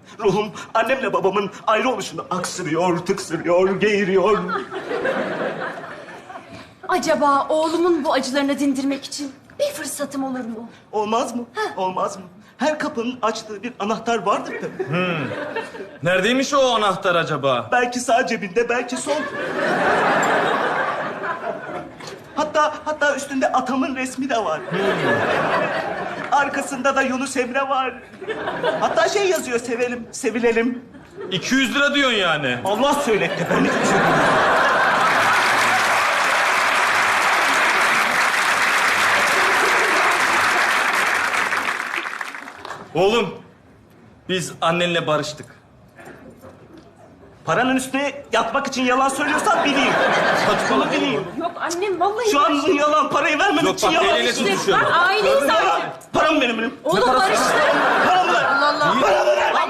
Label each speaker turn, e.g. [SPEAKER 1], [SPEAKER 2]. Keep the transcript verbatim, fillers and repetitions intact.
[SPEAKER 1] Ruhum annemle babamın ayrı oluşunu aksırıyor, tıksırıyor, geğiriyor.
[SPEAKER 2] Acaba oğlumun bu acılarını dindirmek için bir fırsatım olur mu?
[SPEAKER 1] Olmaz mı? Olmaz mı? Her kapının açtığı bir anahtar vardır tabii.
[SPEAKER 3] Neredeymiş o anahtar acaba?
[SPEAKER 1] Belki sağ cebinde, belki sol. Hatta hatta üstünde atamın resmi de var. Arkasında da Yunus Emre var. Hatta şey yazıyor, sevelim, sevilelim.
[SPEAKER 3] iki yüz lira diyorsun yani.
[SPEAKER 1] Allah söyletti, ben hiçbir şey bilmiyorum.
[SPEAKER 3] Oğlum, biz annenle barıştık.
[SPEAKER 1] Paranın üstüne yatmak için yalan söylüyorsan bileyim. Saçmalı bileyim.
[SPEAKER 2] Yok annem vallahi...
[SPEAKER 1] Şu an yalan, parayı vermemek
[SPEAKER 3] Yok,
[SPEAKER 1] için
[SPEAKER 3] bak,
[SPEAKER 1] yalan.
[SPEAKER 3] eliyle
[SPEAKER 2] İşte
[SPEAKER 3] tutuşuyor.
[SPEAKER 2] bak aileyiz artık.
[SPEAKER 1] Param benim benim.
[SPEAKER 2] Oğlum barıştı.
[SPEAKER 1] Param ver.
[SPEAKER 2] Allah Allah.
[SPEAKER 1] Param